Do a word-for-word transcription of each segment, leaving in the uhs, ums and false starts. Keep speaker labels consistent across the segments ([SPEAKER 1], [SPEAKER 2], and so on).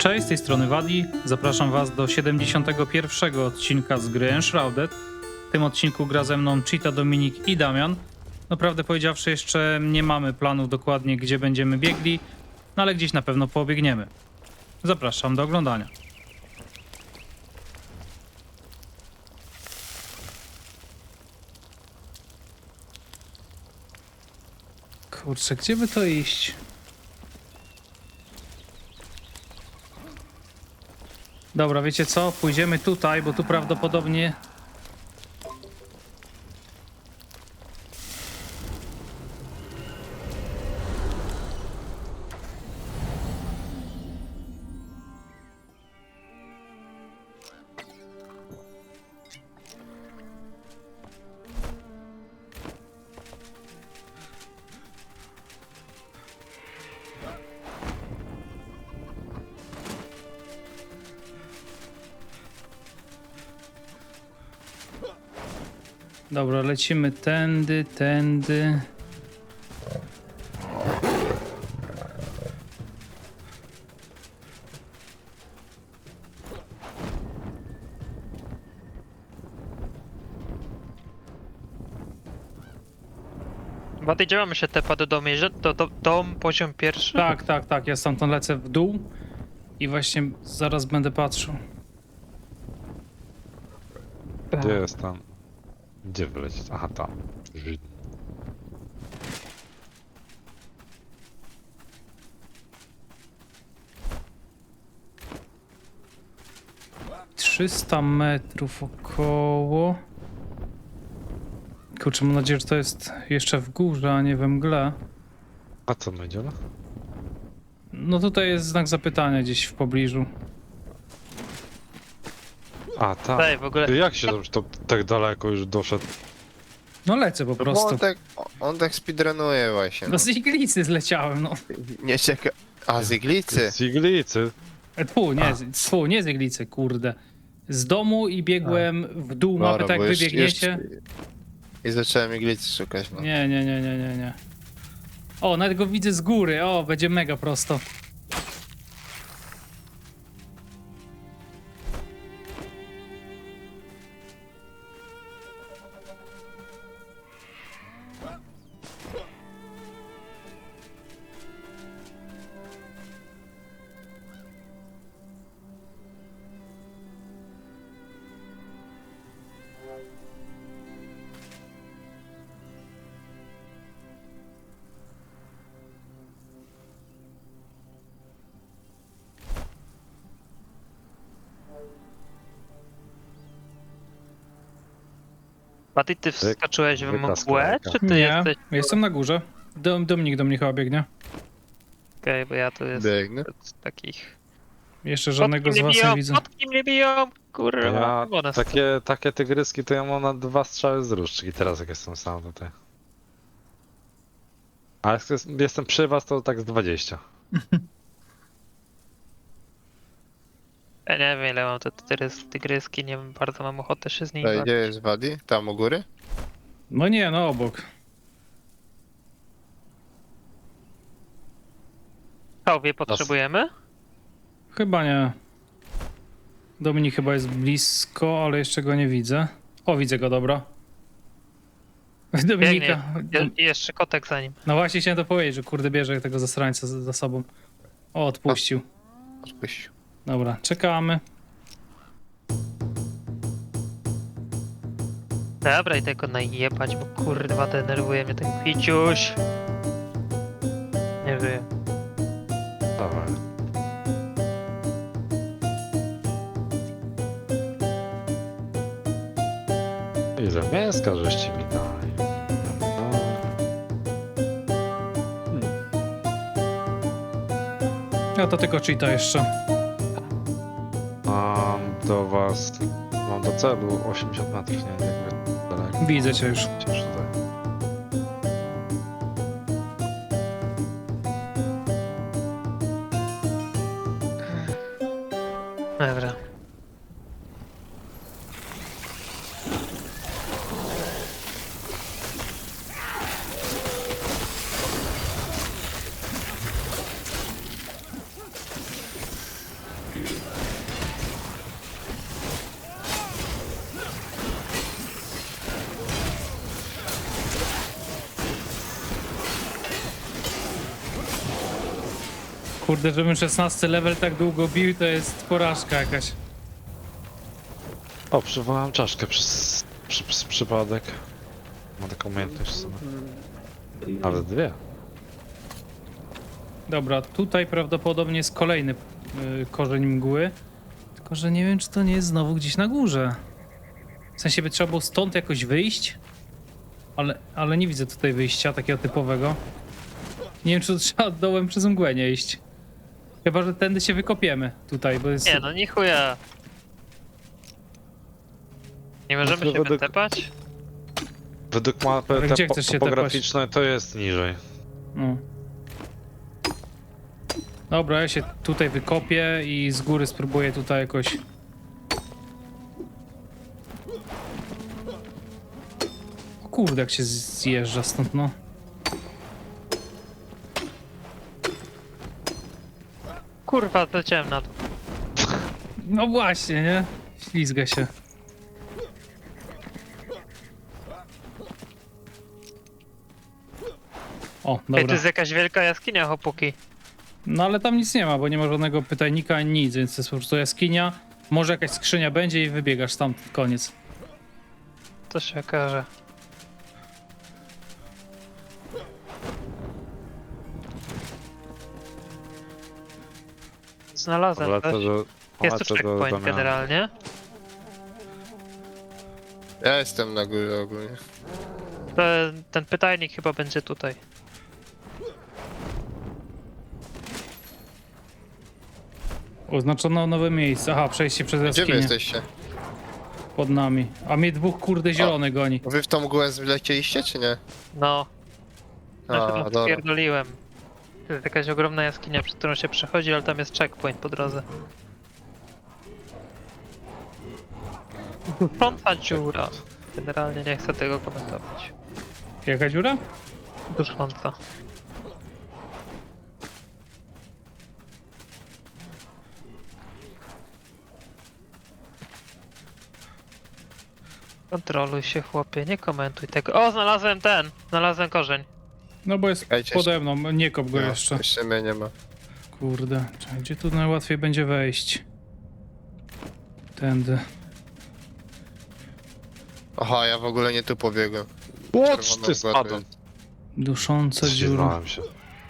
[SPEAKER 1] Cześć, z tej strony Wadi. Zapraszam was do siedemdziesiątego pierwszego odcinka z gry Enshrouded. W tym odcinku gra ze mną Cheetah, Dominik i Damian. No prawdę powiedziawszy, jeszcze nie mamy planów dokładnie, gdzie będziemy biegli, no ale gdzieś na pewno pobiegniemy. Zapraszam do oglądania. Kurczę, gdzie by to iść? Dobra, wiecie co? Pójdziemy tutaj, bo tu prawdopodobnie... Dobra, lecimy tędy, tędy.
[SPEAKER 2] Wady, gdzie mamy się tepa do domu? Że do, do, dom, poziom pierwszy?
[SPEAKER 1] Tak, tak, tak, ja stamtąd lecę w dół i właśnie zaraz będę patrzył.
[SPEAKER 3] Gdzie jest tam? Gdzie wylecieć? Aha, tam.
[SPEAKER 1] trzysta metrów około. Kurczę, mam nadzieję, że to jest jeszcze w górze, a nie we mgle.
[SPEAKER 3] A co my idziemy?
[SPEAKER 1] No tutaj jest znak zapytania gdzieś w pobliżu.
[SPEAKER 3] A, tam.
[SPEAKER 2] Daj, w ogóle.
[SPEAKER 3] Ty jak się to, to tak daleko już doszedł?
[SPEAKER 1] No lecę po
[SPEAKER 4] No bo
[SPEAKER 1] prostu.
[SPEAKER 4] on tak, on tak speedrunuje właśnie.
[SPEAKER 1] No
[SPEAKER 4] No.
[SPEAKER 1] z iglicy zleciałem, no.
[SPEAKER 4] Nie czeka... A, z iglicy?
[SPEAKER 3] Z iglicy.
[SPEAKER 1] E, Tfu, nie, z- tfu, nie z iglicy, kurde. Z domu i biegłem w dół mapy,
[SPEAKER 4] Dobra,
[SPEAKER 1] tak
[SPEAKER 4] bo
[SPEAKER 1] jak
[SPEAKER 4] już-
[SPEAKER 1] wybiegniecie.
[SPEAKER 4] już- I zacząłem iglicy szukać, no.
[SPEAKER 1] Nie, nie, nie, nie, nie, nie. O, nawet go widzę z góry. O, będzie mega prosto.
[SPEAKER 2] Wady, ty wskoczyłeś w
[SPEAKER 3] wyklaska
[SPEAKER 2] mgłę,
[SPEAKER 3] ręka.
[SPEAKER 2] czy ty
[SPEAKER 1] Nie,
[SPEAKER 2] jesteś...
[SPEAKER 1] jestem na górze. Dom, Dominik do mnie chyba biegnie.
[SPEAKER 2] Okej, bo ja tu jestem
[SPEAKER 4] Biegnę.
[SPEAKER 2] z takich...
[SPEAKER 1] Jeszcze żadnego
[SPEAKER 2] Kotki
[SPEAKER 1] z
[SPEAKER 2] mnie
[SPEAKER 1] was nie
[SPEAKER 2] biją,
[SPEAKER 1] widzę.
[SPEAKER 2] kotki mnie biją! Kurwa,
[SPEAKER 3] Ja
[SPEAKER 2] woda
[SPEAKER 3] takie, takie tygryski to ja mam na dwa strzały z różdżki teraz jak jestem sam tutaj. Ale jak jest- jestem przy was to tak z dwadzieścia.
[SPEAKER 2] Ja nie wiem, ile mam te tygrys, tygryski, nie wiem, bardzo mam ochotę się z nimi
[SPEAKER 4] Ej,
[SPEAKER 2] bawić.
[SPEAKER 4] gdzie jest Wadi? Tam u góry?
[SPEAKER 1] No nie, no obok.
[SPEAKER 2] Chałwie potrzebujemy?
[SPEAKER 1] Chyba nie. Dominik chyba jest blisko, ale jeszcze go nie widzę. O, widzę go, dobra. Dominika.
[SPEAKER 2] Je, jeszcze kotek za nim.
[SPEAKER 1] No właśnie chciałem to powiedzieć, że kurde bierze tego zasrańca za, za sobą. O, odpuścił.
[SPEAKER 4] Odpuścił.
[SPEAKER 1] Dobra, czekamy.
[SPEAKER 2] Dobra, i tego najebać, bo kurwa denerwuje mnie ten kwiciuś. Nie wiem.
[SPEAKER 3] Dawaj. Ile mięska żeście mi dali? No.
[SPEAKER 1] Ja to tylko cheata jeszcze.
[SPEAKER 3] Mam do was, mam do celu osiemdziesiąt metrów, nie wiem jakby daleko.
[SPEAKER 1] Widzę cię już.
[SPEAKER 3] Cieszę tutaj.
[SPEAKER 2] Dobra.
[SPEAKER 1] Kurde, żebym szesnasty level tak długo bił, to jest porażka jakaś.
[SPEAKER 3] O, przywołałem czaszkę przez, przy, przez przypadek. Ma taką umiejętność w sumie. Nawet dwie.
[SPEAKER 1] Dobra, tutaj prawdopodobnie jest kolejny y, korzeń mgły. Tylko, że nie wiem, czy to nie jest znowu gdzieś na górze. W sensie by trzeba było stąd jakoś wyjść. Ale, ale nie widzę tutaj wyjścia takiego typowego. Nie wiem, czy to trzeba dołem przez mgłę nie iść. Chyba, że tędy się wykopiemy tutaj, bo jest...
[SPEAKER 2] Nie no, nie chuja. Nie możemy
[SPEAKER 3] to
[SPEAKER 2] się
[SPEAKER 3] według-
[SPEAKER 2] wytepać?
[SPEAKER 3] Według mapy
[SPEAKER 1] Ale gdzie
[SPEAKER 3] te
[SPEAKER 1] chcesz się
[SPEAKER 3] topograficznej to jest niżej.
[SPEAKER 1] No. Dobra, ja się tutaj wykopię i z góry spróbuję tutaj jakoś... O kurde, jak się zjeżdża stąd, no.
[SPEAKER 2] Kurwa, leciałem na to.
[SPEAKER 1] No właśnie, nie? Ślizga się. O,
[SPEAKER 2] Ej, to
[SPEAKER 1] dobra.
[SPEAKER 2] jest jakaś wielka jaskinia, hopuki.
[SPEAKER 1] No ale tam nic nie ma, bo nie ma żadnego pytajnika ani nic, więc to jest po prostu jaskinia. Może jakaś skrzynia będzie i wybiegasz tam, koniec.
[SPEAKER 2] To się okaże. Znalazłem
[SPEAKER 3] Polecę
[SPEAKER 2] coś.
[SPEAKER 3] do...
[SPEAKER 2] Jest tu
[SPEAKER 3] polecę do
[SPEAKER 2] checkpoint
[SPEAKER 3] Damiana.
[SPEAKER 2] generalnie.
[SPEAKER 4] Ja jestem na górze ogólnie.
[SPEAKER 2] Ten, ten pytajnik chyba będzie tutaj.
[SPEAKER 1] Oznaczono nowe miejsce. Aha, przejście przez
[SPEAKER 4] Gdzie wy
[SPEAKER 1] jaskinię.
[SPEAKER 4] jesteście?
[SPEAKER 1] Pod nami. A mnie dwóch kurde zielony goni.
[SPEAKER 4] Wy w tą mgłę zlecieliście, czy nie?
[SPEAKER 2] No,
[SPEAKER 4] A,
[SPEAKER 2] no
[SPEAKER 4] dobra.
[SPEAKER 2] pierdoliłem. To jest jakaś ogromna jaskinia, przez którą się przechodzi, ale tam jest checkpoint po drodze. Dusząca dziura. Generalnie nie chcę tego komentować.
[SPEAKER 1] Jaka dziura?
[SPEAKER 2] Dusząca. Kontroluj się, chłopie, nie komentuj tego. O, znalazłem ten! Znalazłem korzeń.
[SPEAKER 1] No bo jest
[SPEAKER 4] Czekajcie,
[SPEAKER 1] pode mną, nie kop go
[SPEAKER 4] No,
[SPEAKER 1] jeszcze.
[SPEAKER 4] Jeszcze mnie nie ma.
[SPEAKER 1] Kurde, czekaj, gdzie tu najłatwiej będzie wejść? Tędy.
[SPEAKER 4] Aha, ja w ogóle nie tu pobiegłem.
[SPEAKER 3] Łoć,
[SPEAKER 4] Czerwoną
[SPEAKER 3] ty
[SPEAKER 4] mgłę tu
[SPEAKER 3] spadłem.
[SPEAKER 4] jest.
[SPEAKER 1] Dusząca dziura.
[SPEAKER 3] Zdziwałem się.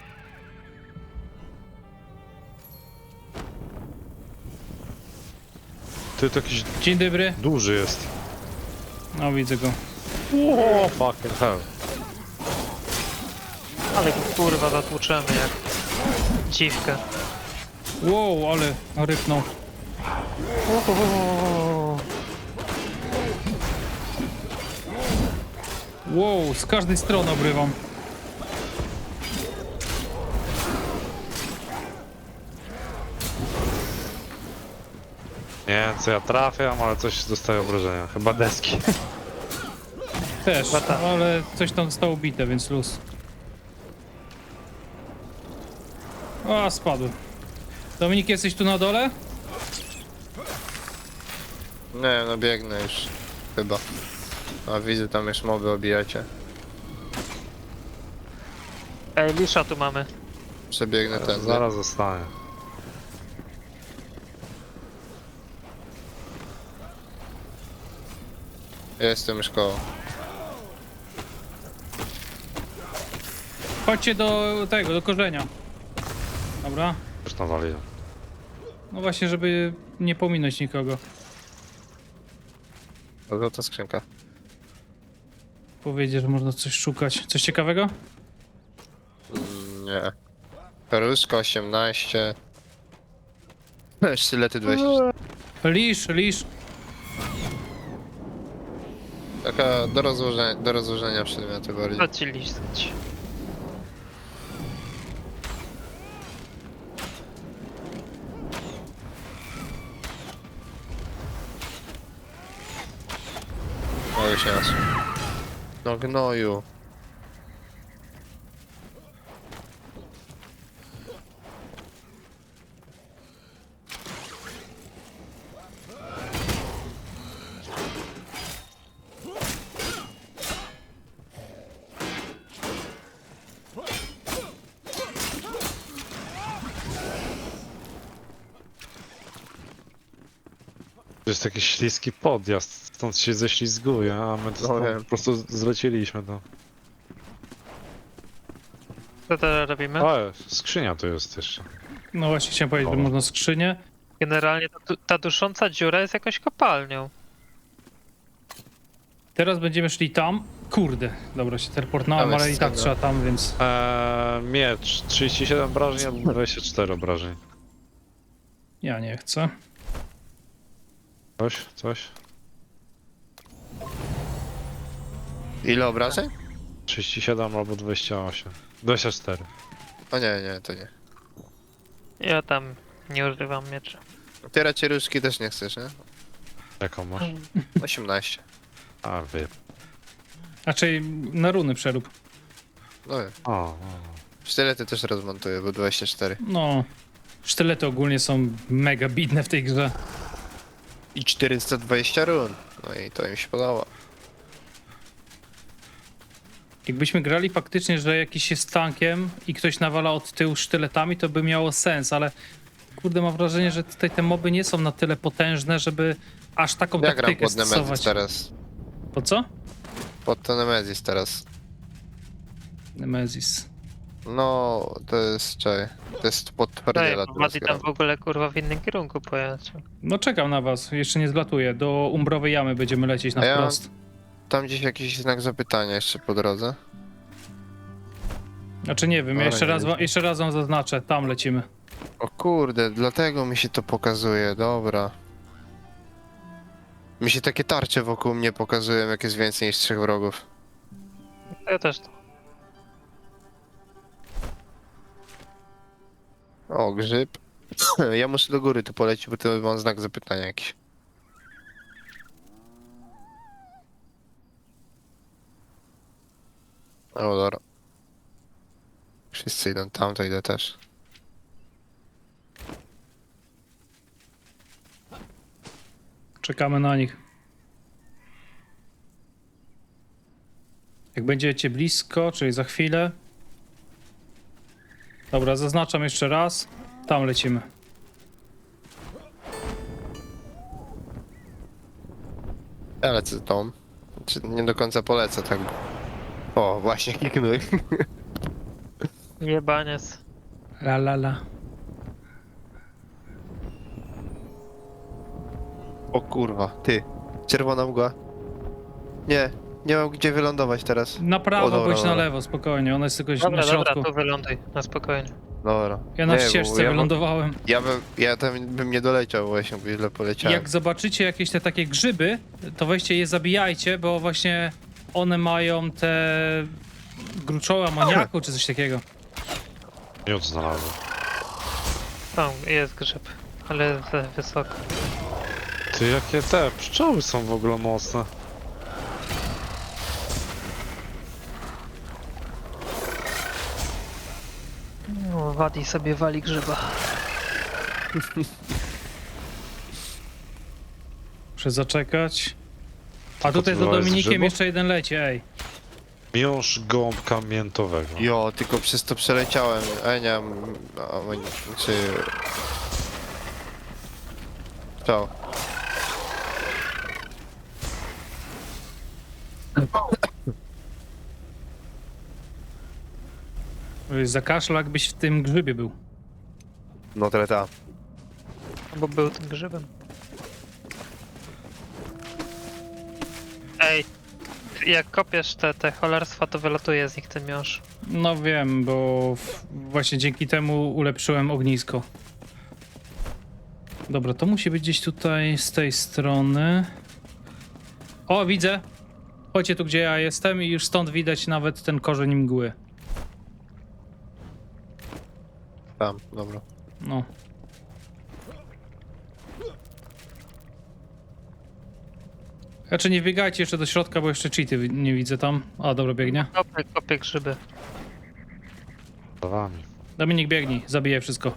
[SPEAKER 3] Ty to jakiś
[SPEAKER 1] Dzień dobry.
[SPEAKER 3] duży jest.
[SPEAKER 1] No widzę go.
[SPEAKER 3] O, fucking hell.
[SPEAKER 2] Ale go kurwa zatłuczemy jak dziwkę.
[SPEAKER 1] Wow, ale rypnął. Wow, z każdej strony obrywam.
[SPEAKER 3] Nie wiem co ja trafiam, ale coś dostaje obrażenia. Chyba deski.
[SPEAKER 1] Też,
[SPEAKER 2] Chyba tak.
[SPEAKER 1] ale coś tam zostało bite, więc luz. A, spadłem. Dominik, jesteś tu na dole?
[SPEAKER 4] Nie, no biegnę już. Chyba. A widzę, tam już moby obijacie.
[SPEAKER 2] Ej, lisza tu mamy.
[SPEAKER 4] Przebiegnę ten.
[SPEAKER 3] Zaraz zostanie.
[SPEAKER 4] Ja jestem już koło.
[SPEAKER 1] Chodźcie do tego, do korzenia. Dobra.
[SPEAKER 3] Już nawaliłem.
[SPEAKER 1] No właśnie, żeby nie pominąć nikogo.
[SPEAKER 4] O, złota skrzynka.
[SPEAKER 1] Powiedzieć, że można coś szukać. Coś ciekawego?
[SPEAKER 4] Mm, nie. Peruszka osiemnaście. Sztylety dwadzieścia.
[SPEAKER 1] Lisz, lisz.
[SPEAKER 4] Taka do rozłożenia, do rozłożenia przedmiotu bardziej.
[SPEAKER 2] Chodź ci listać.
[SPEAKER 4] O, już raz. No gnoju.
[SPEAKER 3] jest taki śliski podjazd, stąd się ześlizguje, a my to
[SPEAKER 4] No
[SPEAKER 3] stąd
[SPEAKER 4] wiem.
[SPEAKER 3] po prostu zleciliśmy to.
[SPEAKER 2] Co teraz robimy?
[SPEAKER 3] A, skrzynia tu jest jeszcze.
[SPEAKER 1] No właśnie chciałem powiedzieć, że
[SPEAKER 3] O.
[SPEAKER 1] można skrzynię.
[SPEAKER 2] Generalnie ta, du- ta dusząca dziura jest jakąś kopalnią.
[SPEAKER 1] Teraz będziemy szli tam. Kurde, dobra, się teleportowałem,
[SPEAKER 4] Tam jest
[SPEAKER 1] ale i tak
[SPEAKER 4] scena.
[SPEAKER 1] trzeba tam, więc...
[SPEAKER 3] Eee, miecz, trzydzieści siedem obrażeń albo dwadzieścia cztery obrażeń.
[SPEAKER 1] Ja nie chcę.
[SPEAKER 3] Coś, coś?
[SPEAKER 4] Ile obrażeń?
[SPEAKER 3] trzydzieści siedem albo dwadzieścia osiem. dwadzieścia cztery.
[SPEAKER 4] O nie, nie, to nie.
[SPEAKER 2] Ja tam nie używam miecza.
[SPEAKER 4] Ty raczej różdżki też nie chcesz, nie?
[SPEAKER 3] Jaką masz?
[SPEAKER 4] osiemnaście.
[SPEAKER 3] A, wy.
[SPEAKER 1] Raczej na runy przerób.
[SPEAKER 4] No wiem.
[SPEAKER 3] O, o.
[SPEAKER 4] Sztylety też rozmontuję, bo dwadzieścia cztery.
[SPEAKER 1] No, sztylety ogólnie są mega bidne w tej grze.
[SPEAKER 4] I czterysta dwadzieścia run. No i to im się podoba.
[SPEAKER 1] Jakbyśmy grali faktycznie, że jakiś jest tankiem i ktoś nawala od tyłu sztyletami, to by miało sens, ale kurde, mam wrażenie, że tutaj te moby nie są na tyle potężne, żeby aż taką
[SPEAKER 4] Ja gram
[SPEAKER 1] taktykę
[SPEAKER 4] pod Nemezis
[SPEAKER 1] stosować.
[SPEAKER 4] teraz.
[SPEAKER 1] Po co?
[SPEAKER 4] Pod to Nemezis teraz.
[SPEAKER 1] Nemezis.
[SPEAKER 4] No, to jest, czekaj, to jest pod
[SPEAKER 2] Daj,
[SPEAKER 4] twardziela
[SPEAKER 2] bo
[SPEAKER 4] teraz
[SPEAKER 2] Mati
[SPEAKER 4] gram.
[SPEAKER 2] tam w ogóle kurwa w innym kierunku pojechał.
[SPEAKER 1] No czekam na was, jeszcze nie zlatuję. Do Umbrowej Jamy będziemy lecieć na
[SPEAKER 4] A ja-
[SPEAKER 1] wprost.
[SPEAKER 4] Tam gdzieś jakiś znak zapytania jeszcze po drodze.
[SPEAKER 1] Znaczy nie wiem, ja
[SPEAKER 4] Ale
[SPEAKER 1] jeszcze
[SPEAKER 4] nie
[SPEAKER 1] raz, wam,
[SPEAKER 4] wiem.
[SPEAKER 1] jeszcze raz wam zaznaczę, tam lecimy.
[SPEAKER 4] O kurde, dlatego mi się to pokazuje, dobra. Mi się takie tarcze wokół mnie pokazują, jak jest więcej niż trzech wrogów.
[SPEAKER 2] Ja też to.
[SPEAKER 4] O, grzyb. Ja muszę do góry tu polecieć, bo tu mam znak zapytania jakiś. O, dobra. Wszyscy idą tam, to idę też.
[SPEAKER 1] Czekamy na nich. Jak będziecie blisko, czyli za chwilę. Dobra, zaznaczam jeszcze raz. Tam lecimy.
[SPEAKER 4] Ja lecę z tą. Czy nie do końca polecę tak. O, właśnie kliknąłem.
[SPEAKER 2] Jebaniec.
[SPEAKER 1] La la la.
[SPEAKER 4] O kurwa, ty. Czerwona mgła. Nie, nie mam gdzie wylądować teraz.
[SPEAKER 1] Na prawo
[SPEAKER 4] O, dobra,
[SPEAKER 1] bądź na
[SPEAKER 4] dobra.
[SPEAKER 1] lewo, spokojnie. Ona jest tylko
[SPEAKER 2] Dobra,
[SPEAKER 1] na środku.
[SPEAKER 2] dobra, tu wyląduj, na spokojnie.
[SPEAKER 4] Dobra.
[SPEAKER 1] Ja na
[SPEAKER 4] Nie, bo
[SPEAKER 1] ścieżce
[SPEAKER 4] ja bym-
[SPEAKER 1] wylądowałem.
[SPEAKER 4] Ja bym, ja tam bym nie doleciał właśnie, bo źle poleciałem.
[SPEAKER 1] Jak zobaczycie jakieś te takie grzyby, to weźcie je zabijajcie, bo właśnie one mają te gruczoły amoniaku czy coś takiego.
[SPEAKER 3] Miód znalazłem.
[SPEAKER 2] Tam jest grzyb, ale jest za wysoko.
[SPEAKER 3] Ty, jakie te pszczoły są w ogóle mocne.
[SPEAKER 2] No, Wadi sobie wali grzyba.
[SPEAKER 1] Muszę zaczekać. A
[SPEAKER 3] Tylko
[SPEAKER 1] tutaj
[SPEAKER 3] ty
[SPEAKER 1] za
[SPEAKER 3] wołałeś z
[SPEAKER 1] Dominikiem
[SPEAKER 3] grzybów?
[SPEAKER 1] jeszcze jeden leci, ej.
[SPEAKER 3] Miąższ gąbka miętowego.
[SPEAKER 4] Jo, tylko przez to przeleciałem. A nie mam... a, czy... Co?
[SPEAKER 1] Zakaszlał, jakbyś w tym grzybie był.
[SPEAKER 4] No tyle ta.
[SPEAKER 2] Bo był tym grzybem. Ej, jak kopiesz te, te cholerstwa, to wylatuje z nich ten miąższ.
[SPEAKER 1] No wiem, bo w- właśnie dzięki temu ulepszyłem ognisko. Dobra, to musi być gdzieś tutaj z tej strony. O, widzę. Chodźcie tu, gdzie ja jestem i już stąd widać nawet ten korzeń mgły.
[SPEAKER 4] Tam, dobra.
[SPEAKER 1] No. Znaczy nie wbiegajcie jeszcze do środka, bo jeszcze cheaty wi- nie widzę tam. A, dobra, biegnie.
[SPEAKER 2] Kopię, kopię grzyby.
[SPEAKER 3] Za wami.
[SPEAKER 1] Dominik, biegnij, zabijaj wszystko.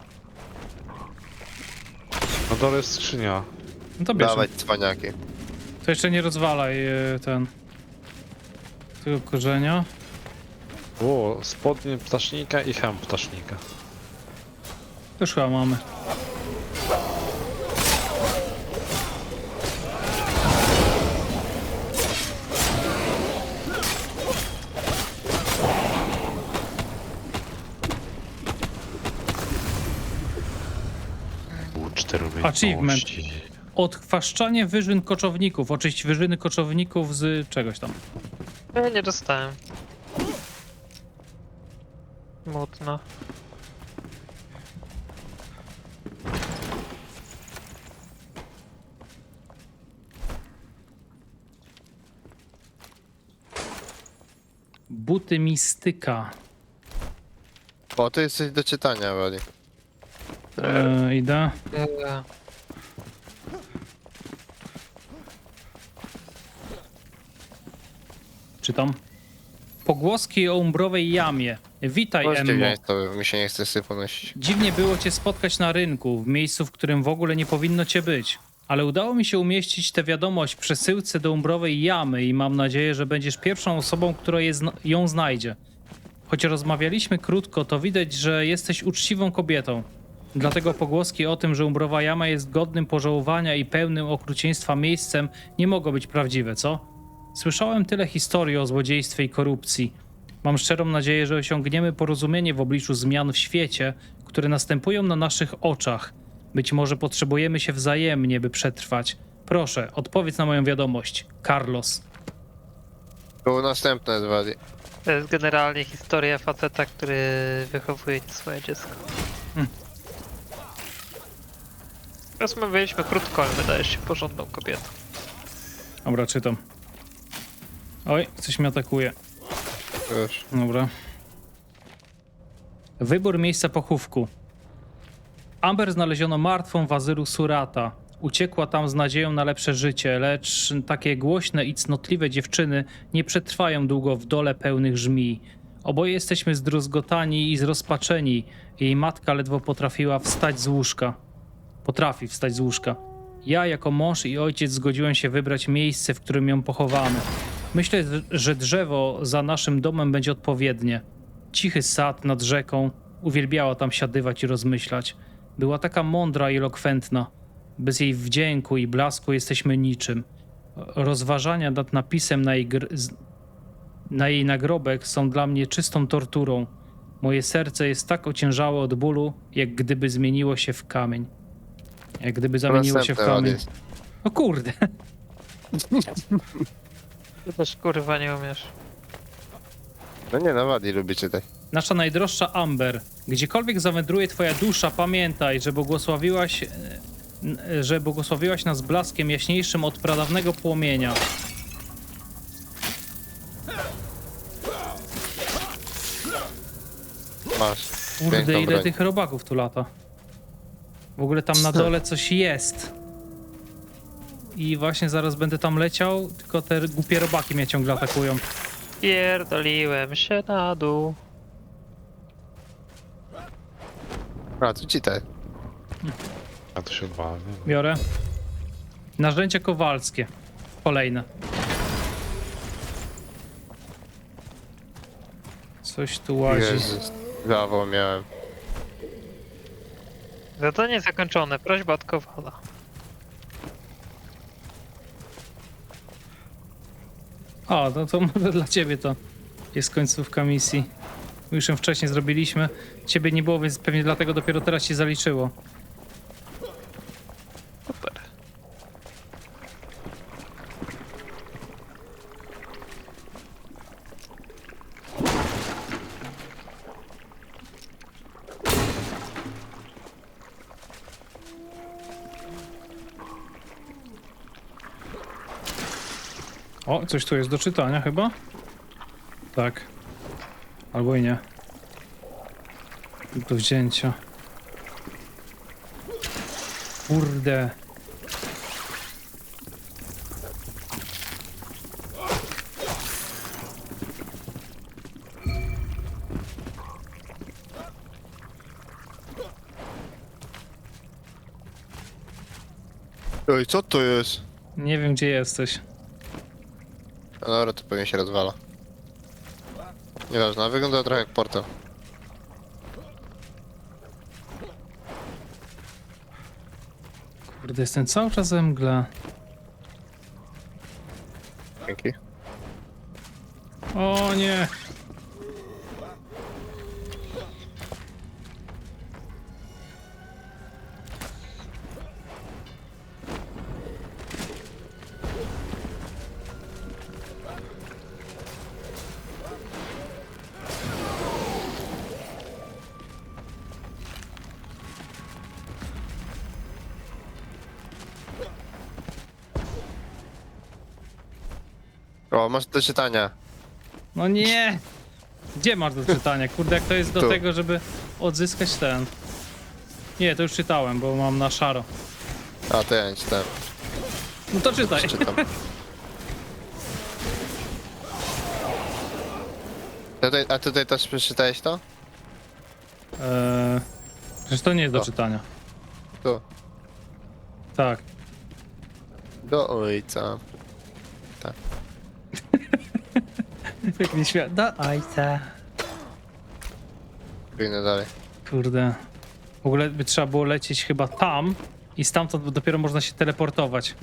[SPEAKER 3] No dole jest skrzynia.
[SPEAKER 1] No to bierz.
[SPEAKER 4] Dawać cwaniaki.
[SPEAKER 1] To jeszcze nie rozwalaj e, ten... tego korzenia.
[SPEAKER 3] O, spodnie ptasznika i hem ptasznika.
[SPEAKER 1] Już chyba mamy. Achievement.
[SPEAKER 3] Ości.
[SPEAKER 1] Odchwaszczanie wyżyn koczowników. Oczyść wyżyny koczowników z czegoś tam.
[SPEAKER 2] Ja nie dostałem. Smutno.
[SPEAKER 1] Buty mistyka.
[SPEAKER 4] O, to jest coś do czytania, Woli.
[SPEAKER 1] E, idę.
[SPEAKER 2] Eee,
[SPEAKER 1] Czytam. Pogłoski o umbrowej jamie. Witaj,
[SPEAKER 4] Możecie
[SPEAKER 1] Emmo.
[SPEAKER 4] wziąć, to mi się nie chce syfu nosić.
[SPEAKER 1] Dziwnie było cię spotkać na rynku, w miejscu, w którym w ogóle nie powinno cię być. Ale udało mi się umieścić tę wiadomość w przesyłce do umbrowej jamy i mam nadzieję, że będziesz pierwszą osobą, która je zna- ją znajdzie. Choć rozmawialiśmy krótko, to widać, że jesteś uczciwą kobietą. Dlatego pogłoski o tym, że umbrowa jama jest godnym pożałowania i pełnym okrucieństwa miejscem, nie mogą być prawdziwe, co? Słyszałem tyle historii o złodziejstwie i korupcji. Mam szczerą nadzieję, że osiągniemy porozumienie w obliczu zmian w świecie, które następują na naszych oczach. Być może potrzebujemy się wzajemnie, by przetrwać. Proszę, odpowiedz na moją wiadomość. Carlos.
[SPEAKER 4] Było następne, Woli.
[SPEAKER 2] To jest generalnie historia faceta, który wychowuje swoje dziecko.
[SPEAKER 1] Hmm.
[SPEAKER 2] Rozmawialiśmy krótko, ale wydajesz się porządną kobietą.
[SPEAKER 1] Dobra, czytam. Oj, coś mnie atakuje.
[SPEAKER 4] Już.
[SPEAKER 1] Dobra. Wybór miejsca pochówku. Amber znaleziono martwą w azylu Surata. Uciekła tam z nadzieją na lepsze życie, lecz takie głośne i cnotliwe dziewczyny nie przetrwają długo w dole pełnych żmij. Oboje jesteśmy zdruzgotani i zrozpaczeni. Jej matka ledwo potrafiła wstać z łóżka. Potrafi wstać z łóżka. Ja jako mąż i ojciec zgodziłem się wybrać miejsce, w którym ją pochowamy. Myślę, że drzewo za naszym domem będzie odpowiednie. Cichy sad nad rzeką. Uwielbiała tam siadywać i rozmyślać. Była taka mądra i elokwentna. Bez jej wdzięku i blasku jesteśmy niczym. Rozważania nad napisem na jej, gr... z- na jej nagrobek są dla mnie czystą torturą. Moje serce jest tak ociężałe od bólu, jak gdyby zmieniło się w kamień. Jak gdyby zamieniło się w
[SPEAKER 4] Następne,
[SPEAKER 1] kamień.
[SPEAKER 4] Woli.
[SPEAKER 1] O kurde.
[SPEAKER 2] Ty też kurwa nie umiesz.
[SPEAKER 4] No nie, no Woli lubi czytać.
[SPEAKER 1] Nasza najdroższa Amber, gdziekolwiek zawędruje twoja dusza, pamiętaj, że błogosławiłaś, e, n- że błogosławiłaś nas blaskiem jaśniejszym od pradawnego płomienia.
[SPEAKER 4] Masz.
[SPEAKER 1] Kurde,
[SPEAKER 4] Piękną
[SPEAKER 1] ile
[SPEAKER 4] broń.
[SPEAKER 1] tych robaków tu lata. W ogóle tam na dole coś jest. I właśnie zaraz będę tam leciał, tylko te głupie robaki mnie ciągle atakują.
[SPEAKER 2] Pierdoliłem się na dół.
[SPEAKER 4] A, tu czytaj.
[SPEAKER 3] A to się odwala, nie?
[SPEAKER 1] Biorę. Narzędzia kowalskie. Kolejne. Coś tu łazi.
[SPEAKER 4] Jezus. Zawał miałem.
[SPEAKER 2] Zadanie zakończone. Prośba od Kowala.
[SPEAKER 1] O, no to może dla ciebie to jest końcówka misji. Już ją wcześniej zrobiliśmy. Ciebie nie było, więc pewnie dlatego dopiero teraz się zaliczyło.
[SPEAKER 2] Super.
[SPEAKER 1] O, coś tu jest do czytania chyba? Tak. Albo i nie. Do wzięcia. Kurde.
[SPEAKER 4] Oj, co to jest?
[SPEAKER 1] Nie wiem, gdzie jesteś.
[SPEAKER 4] No dobra, to pewnie się rozwala. Nieważne, wygląda trochę jak portal.
[SPEAKER 1] Kurde, jestem cały czas we mgle.
[SPEAKER 4] Dzięki.
[SPEAKER 1] O nie.
[SPEAKER 4] O, masz do czytania.
[SPEAKER 1] No nie! Gdzie masz do czytania? Kurde, jak to jest do
[SPEAKER 4] Tu.
[SPEAKER 1] tego, żeby odzyskać ten... Nie, to już czytałem, bo mam na szaro.
[SPEAKER 4] A, to ja nie czytałem.
[SPEAKER 1] No to czytaj.
[SPEAKER 4] Czytam. Tutaj, a tutaj też przeczytałeś to?
[SPEAKER 1] Eee, przecież to nie jest do
[SPEAKER 4] O.
[SPEAKER 1] czytania.
[SPEAKER 4] Tu.
[SPEAKER 1] Tak.
[SPEAKER 4] Do ojca.
[SPEAKER 1] Jak nie śmia... Do ojca.
[SPEAKER 4] Pójdę dalej.
[SPEAKER 1] Kurde. W ogóle by trzeba było lecieć chyba tam i stamtąd dopiero można się teleportować.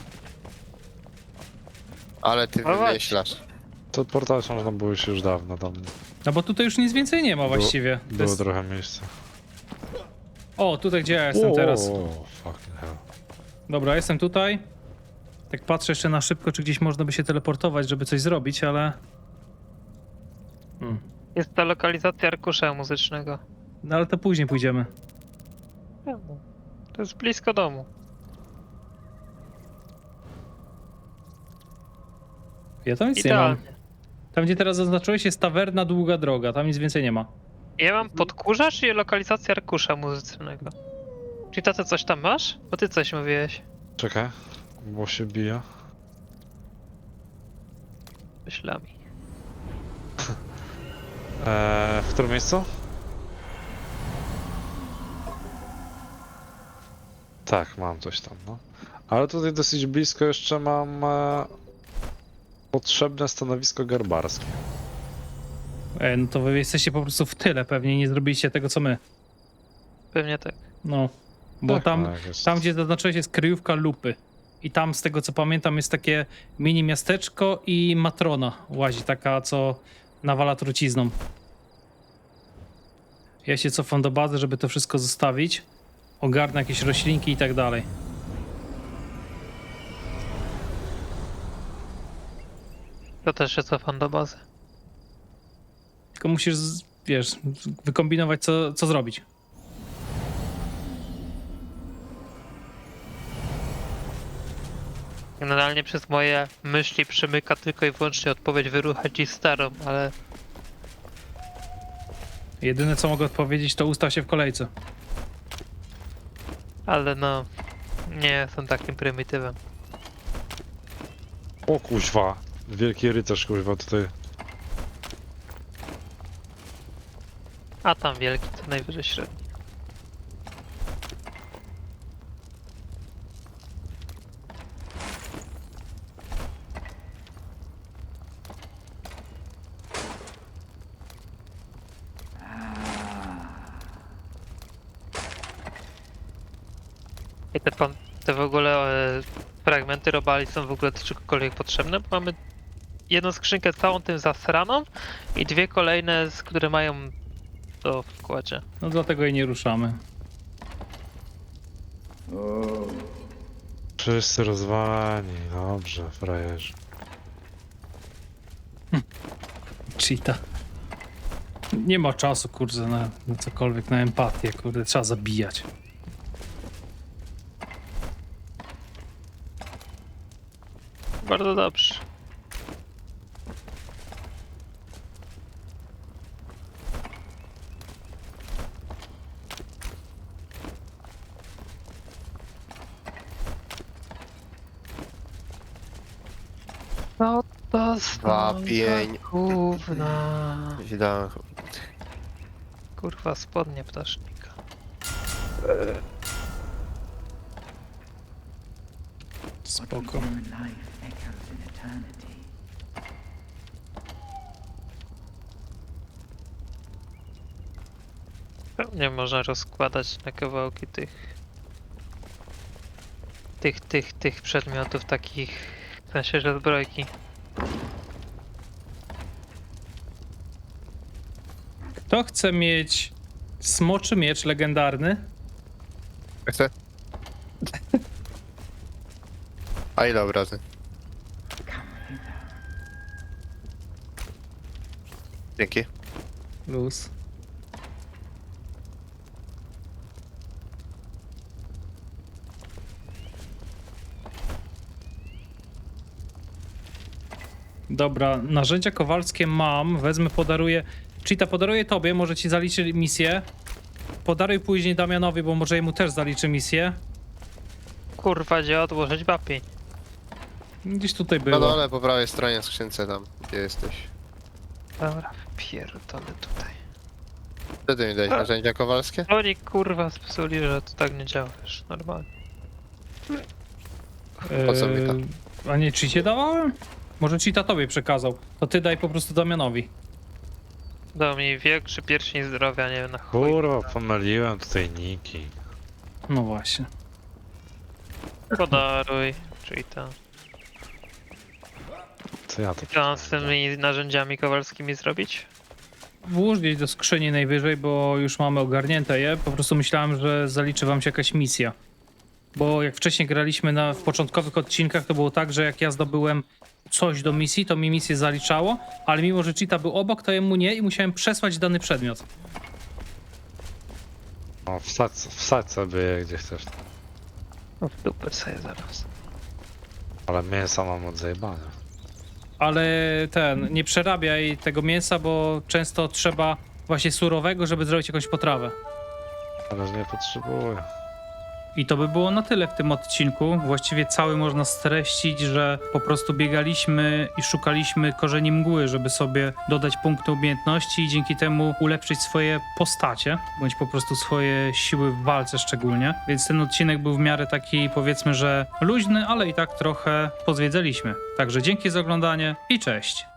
[SPEAKER 4] Ale ty
[SPEAKER 2] No właśnie.
[SPEAKER 4] wymyślasz.
[SPEAKER 3] To portal można było się już dawno tam.
[SPEAKER 1] No bo tutaj już nic więcej nie ma właściwie. To
[SPEAKER 3] Było
[SPEAKER 1] jest...
[SPEAKER 3] trochę miejsca.
[SPEAKER 1] O, tutaj gdzie ja jestem teraz.
[SPEAKER 3] O, fucking hell.
[SPEAKER 1] Dobra, jestem tutaj. Tak patrzę jeszcze na szybko, czy gdzieś można by się teleportować, żeby coś zrobić, ale... Hmm.
[SPEAKER 2] Jest ta lokalizacja arkusza muzycznego.
[SPEAKER 1] No ale to później pójdziemy.
[SPEAKER 2] To jest blisko domu.
[SPEAKER 1] Ja tam nic nie mam.
[SPEAKER 2] Idealnie.
[SPEAKER 1] Tam gdzie teraz zaznaczyłeś jest tawerna Długa Droga, tam nic więcej nie ma.
[SPEAKER 2] Ja mam podkurzacz i lokalizację arkusza muzycznego. Czyli tato coś tam masz? Bo ty coś mówiłeś.
[SPEAKER 3] Czekaj, bo się bije.
[SPEAKER 2] Myślami.
[SPEAKER 3] Eee, w którym miejscu? Tak, mam coś tam, no. Ale tutaj dosyć blisko jeszcze mam e, potrzebne stanowisko garbarskie.
[SPEAKER 1] E, no to wy jesteście po prostu w tyle, pewnie nie zrobiliście tego co my.
[SPEAKER 2] Pewnie tak.
[SPEAKER 1] No. Bo
[SPEAKER 3] Tak,
[SPEAKER 1] tam,
[SPEAKER 3] tak, jest.
[SPEAKER 1] tam gdzie zaznaczyłeś jest kryjówka Lupy. I tam z tego co pamiętam jest takie mini miasteczko i matrona łazi, taka co nawala trucizną. Ja się cofam do bazy, żeby to wszystko zostawić. Ogarnę jakieś roślinki i tak dalej.
[SPEAKER 2] To też się cofam do bazy.
[SPEAKER 1] Tylko musisz, z- wiesz, wykombinować co, co zrobić.
[SPEAKER 2] Generalnie przez moje myśli przemyka tylko i wyłącznie odpowiedź wyruchać i starą, ale
[SPEAKER 1] Jedyne co mogę odpowiedzieć to ustaw się w kolejce.
[SPEAKER 2] ale no nie jestem takim prymitywem.
[SPEAKER 3] O kuźwa, wielki rycerz kuźwa tutaj.
[SPEAKER 2] A tam wielki to najwyżej średni. I te, pan, te w ogóle e, fragmenty robali są w ogóle do czegokolwiek potrzebne, bo mamy jedną skrzynkę całą tym zasraną i dwie kolejne, z które mają to w wkładzie.
[SPEAKER 1] No dlatego jej nie ruszamy.
[SPEAKER 3] Wszyscy rozwalani, dobrze, frajerzy.
[SPEAKER 1] Cheata. Nie ma czasu, kurde, na, na cokolwiek, na empatię, kurde, trzeba zabijać.
[SPEAKER 2] Bardzo dobrze. No to
[SPEAKER 4] Dwa, pięć.
[SPEAKER 2] Gówna.
[SPEAKER 4] Źle.
[SPEAKER 2] Kurwa, spodnie ptasznika.
[SPEAKER 1] Spoko.
[SPEAKER 2] Pewnie można rozkładać na kawałki tych... Tych, tych, tych przedmiotów takich... W sensie, że zbrojki.
[SPEAKER 1] Kto chce mieć smoczy miecz legendarny?
[SPEAKER 4] Chcę? A ile obrazy? Dzięki.
[SPEAKER 1] Luz. Dobra, narzędzia kowalskie mam, wezmę, podaruję. Cheetah, podaruję tobie, może ci zaliczy misję. Podaruj później Damianowi, bo może jemu też zaliczy misję.
[SPEAKER 2] Kurwa, gdzie odłożyć wapień?
[SPEAKER 1] Gdzieś tutaj
[SPEAKER 4] Na
[SPEAKER 1] było.
[SPEAKER 4] dole po prawej stronie skrzynce tam, gdzie jesteś.
[SPEAKER 2] Dobra, pierdolę tutaj.
[SPEAKER 4] Co ty mi dałeś, narzędzia kowalskie?
[SPEAKER 2] Oni kurwa spsuli, że to tak nie działa, wiesz, normalnie.
[SPEAKER 4] Po co mi to?
[SPEAKER 1] Eee, A nie, Cheetie dawałem? Może Cheetah tobie przekazał. To ty daj po prostu Damianowi.
[SPEAKER 2] Dał mi większy pierścień zdrowia, nie wiem na chuj.
[SPEAKER 3] Kurwa, pomyliłem tutaj niki.
[SPEAKER 1] No właśnie.
[SPEAKER 2] Podaruj, czyli to.
[SPEAKER 3] Co ja to
[SPEAKER 2] Co mam z tymi narzędziami kowalskimi zrobić?
[SPEAKER 1] Włóż gdzieś do skrzyni najwyżej, bo już mamy ogarnięte je. Po prostu myślałem, że zaliczy wam się jakaś misja. Bo jak wcześniej graliśmy na, w początkowych odcinkach, to było tak, że jak ja zdobyłem coś do misji, to mi misję zaliczało, ale mimo, że Cheetah był obok, to jemu nie i musiałem przesłać dany przedmiot.
[SPEAKER 3] No, wsadź, wsadź sobie je gdzie chcesz.
[SPEAKER 2] No w dupę sobie zaraz.
[SPEAKER 3] Ale mięsa mam od zajebania.
[SPEAKER 1] Ale ten, nie przerabiaj tego mięsa, bo często trzeba właśnie surowego, żeby zrobić jakąś potrawę.
[SPEAKER 3] Ale nie potrzebuję.
[SPEAKER 1] I to by było na tyle w tym odcinku. Właściwie cały można streścić, że po prostu biegaliśmy i szukaliśmy korzeni mgły, żeby sobie dodać punkty umiejętności i dzięki temu ulepszyć swoje postacie, bądź po prostu swoje siły w walce szczególnie. Więc ten odcinek był w miarę taki, powiedzmy, że luźny, ale i tak trochę pozwiedzaliśmy. Także dzięki za oglądanie i cześć!